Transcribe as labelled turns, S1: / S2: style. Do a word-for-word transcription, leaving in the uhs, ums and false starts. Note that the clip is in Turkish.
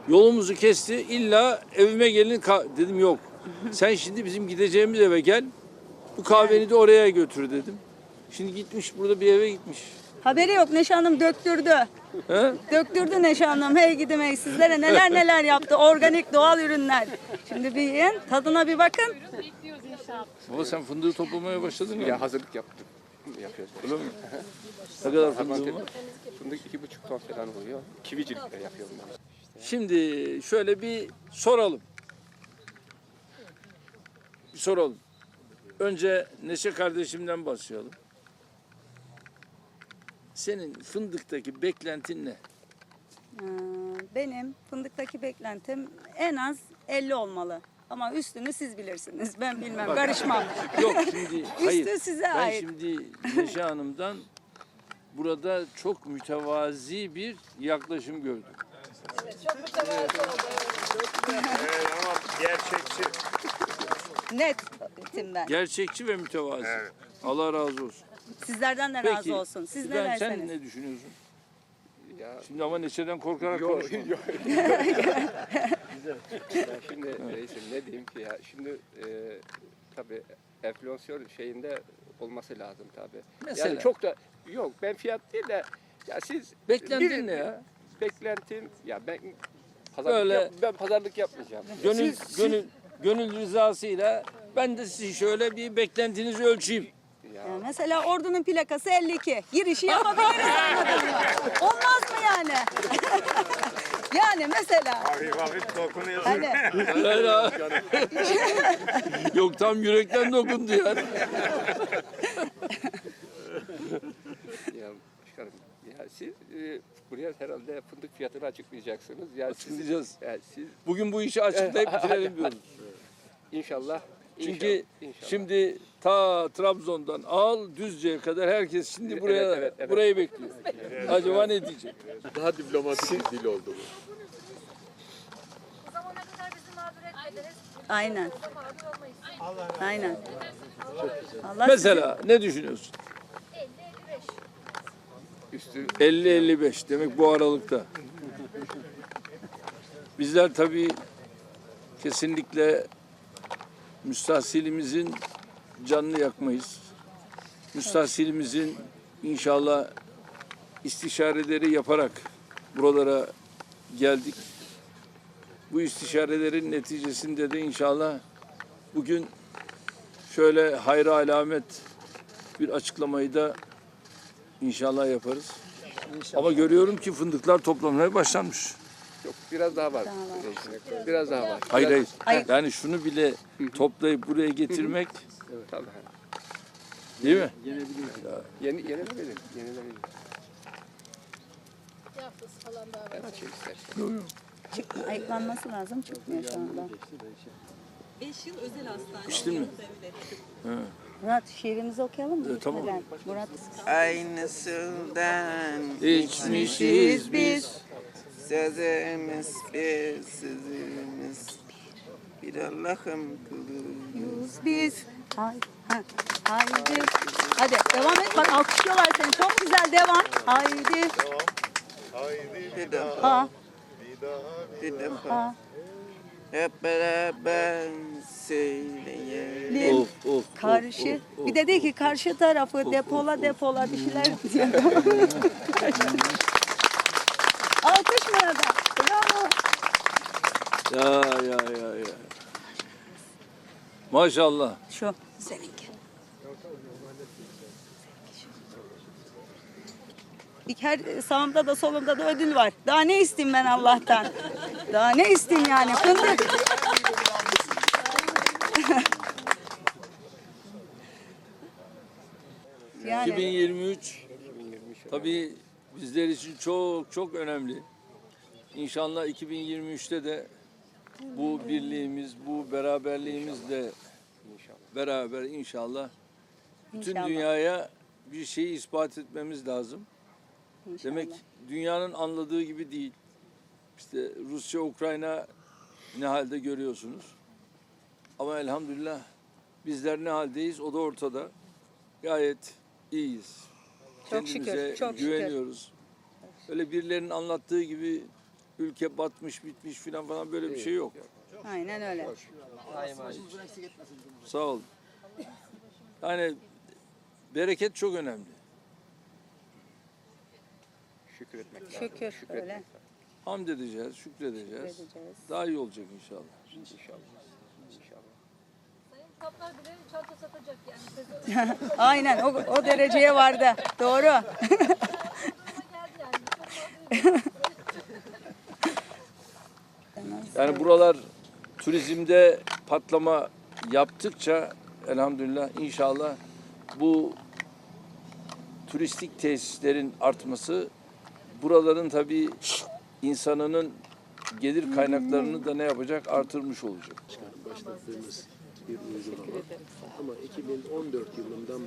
S1: Yolumuzu kesti. İlla evime gelin dedim yok. Sen şimdi bizim gideceğimiz eve gel. Bu kahveni de oraya götür dedim. Şimdi gitmiş burada bir eve gitmiş.
S2: Haberi yok, Neşe Hanım döktürdü.
S1: He?
S2: Döktürdü Neşe Hanım. Hey gidi hey, sizlere neler neler yaptı. Organik doğal ürünler. Şimdi bir yiyin, tadına bir bakın.
S1: Baba sen fındığı toplamaya başladın mı?
S3: Ya hazırlık yaptık. Yapıyoruz.
S1: Öyle mi? Ne kadar fındığın var?
S3: Fındık iki buçuk ton falan oluyor. Kivicilikle yapıyorum ben.
S1: Şimdi şöyle bir soralım. Bir soralım. Önce Neşe kardeşimden başlayalım. Senin fındıktaki beklentin ne?
S2: Ee, Benim fındıktaki beklentim en az elli olmalı. Ama üstünü siz bilirsiniz. Ben bilmem, karışmam.
S1: Yok şimdi hayır.
S2: Üstü size
S1: Ben
S2: ait.
S1: şimdi Neşe Hanım'dan burada çok mütevazi bir yaklaşım gördüm.
S4: Evet ama gerçekçi.
S2: Net ben.
S1: Gerçekçi ve mütevazi.
S4: Evet.
S1: Allah razı olsun.
S2: Sizlerden de
S1: Peki,
S2: razı olsun. Siz ne
S1: İbrahim, sen
S2: derseniz.
S1: ne düşünüyorsun?
S3: Ya
S1: Şimdi ama Neşe'den korkarak
S3: yok
S1: konuşma.
S3: yok. Ya şimdi reisim ne diyeyim ki ya şimdi e, tabii enflasyon şeyinde olması lazım tabii.
S1: Mesela?
S3: Yani çok da yok ben fiyat değil de ya siz
S1: Beklentin
S3: bir-
S1: ne ya?
S3: Beklentim ya ben pazarlık
S1: Böyle-
S3: yap, ben pazarlık yapmayacağım.
S1: Gönül,
S3: Siz- siz-
S1: gönül, gönül rızasıyla ben de sizin şöyle bir beklentinizi ölçeyim.
S3: ya,
S2: Ya mesela ordunun plakası elli iki. Girişi yapabiliriz anladın mı? Olmaz mı yani? Yani mesela
S4: Hafif hafif dokunuyorsun.
S2: hani
S1: Yok tam yürekten dokundu yani.
S3: ya çıkarım. Ya siz e, buraya herhalde fındık fiyatını açıklayacaksınız. Ya siz,
S1: Açıklayacağız.
S3: ya siz
S1: Bugün bu işi açıklayıp bitirelim diyoruz.
S3: inşallah
S1: Çünkü
S3: inşallah, inşallah.
S1: şimdi ta Trabzon'dan al Düzce'ye kadar herkes şimdi buraya
S3: Evet, evet, evet.
S1: burayı bekliyor. Acaba ne diyecek?
S5: Daha diplomatik bir dil oldu bu.
S6: O zamana kadar bizi mağdur etmediniz.
S2: aynen.
S6: Mağdur olmayız.
S2: Aynen. Allah
S1: Mesela ne düşünüyorsun?
S6: elli elli beş.
S3: üstü
S1: elli elli beş demek bu aralıkta. Bizler tabii kesinlikle müstahsilimizin canını yakmayız. Müstahsilimizin inşallah istişareleri yaparak buralara geldik. Bu istişarelerin neticesinde de inşallah bugün şöyle hayra alamet bir açıklamayı da inşallah yaparız. Ama görüyorum ki fındıklar toplanmaya başlanmış.
S3: yok biraz daha var. Biraz daha var.
S1: Hayır
S3: Biraz-
S1: hayır. Yani şunu bile toplayıp buraya getirmek
S3: Tabii.
S1: değil mi?
S3: Yeni yenilebilir. Yenilebilir.
S6: Bir haftası falan daha var.
S3: Ben açayım istersen.
S2: çık, ayıklanması lazım. Çıkmıyor şu anda.
S7: beş yıl özel hastane.
S1: İçtin mi?
S2: Murat şiirimizi okuyalım mı?
S1: E, tamam.
S2: Neden? Murat.
S8: Aynısından
S1: İçmişiz biz.
S8: sözümüz bir sözümüz bir Allah'ım kuluyuz.
S2: Biz. Hay, ha, haydi. Hadi devam et. Bak alkışlıyorlar seni. Çok güzel devam. Haydi.
S8: Bir daha
S2: Ha,
S8: bir daha
S2: ha.
S8: hep beraber söyleyelim.
S2: Lim.
S1: Of of.
S2: Karşı. Bir de de ki karşı tarafı depola depola bir şeyler diyor. Alkış mı da? Bravo.
S1: Ya ya ya ya. Maşallah.
S2: Şu seninki. Her sağımda da solumda da ödül var. Daha ne isteyeyim ben Allah'tan? Daha ne isteyeyim yani? Fındık. yani
S1: iki bin yirmi üç tabii bizler için çok çok önemli. İnşallah iki bin yirmi üçte de bu birliğimiz, bu beraberliğimizle beraber inşallah bütün
S2: İnşallah.
S1: dünyaya bir şeyi ispat etmemiz lazım.
S2: İnşallah.
S1: Demek dünyanın anladığı gibi değil. İşte Rusya, Ukrayna ne halde görüyorsunuz. Ama elhamdülillah bizler ne haldeyiz o da ortada. Gayet iyiyiz.
S2: Çok şükür,
S1: Kendimize
S2: çok şükür.
S1: güveniyoruz. Öyle birilerinin anlattığı gibi ülke batmış bitmiş filan falan böyle bir şey yok.
S2: Aynen öyle.
S1: Sağ olun. Yani bereket çok önemli.
S3: Şükretmek lazım.
S2: Şükür,
S3: Şükretmek
S2: öyle.
S3: lazım.
S1: Hamd edeceğiz, şükredeceğiz.
S2: Şükredeceğiz.
S1: Daha iyi olacak inşallah.
S3: İnşallah. İnşallah.
S6: Sayın Kaplar bile çanta satacak yani. Sezon
S2: Aynen o, o dereceye vardı. Doğru.
S6: geldi yani. Çok mağdur ediyor.
S1: Yani buralar turizmde patlama yaptıkça elhamdülillah inşallah bu turistik tesislerin artması buraların tabii insanının gelir kaynaklarını da ne yapacak? Artırmış olacak.
S5: Başlattığımız bir uygulama. Ama iki bin on dört yılından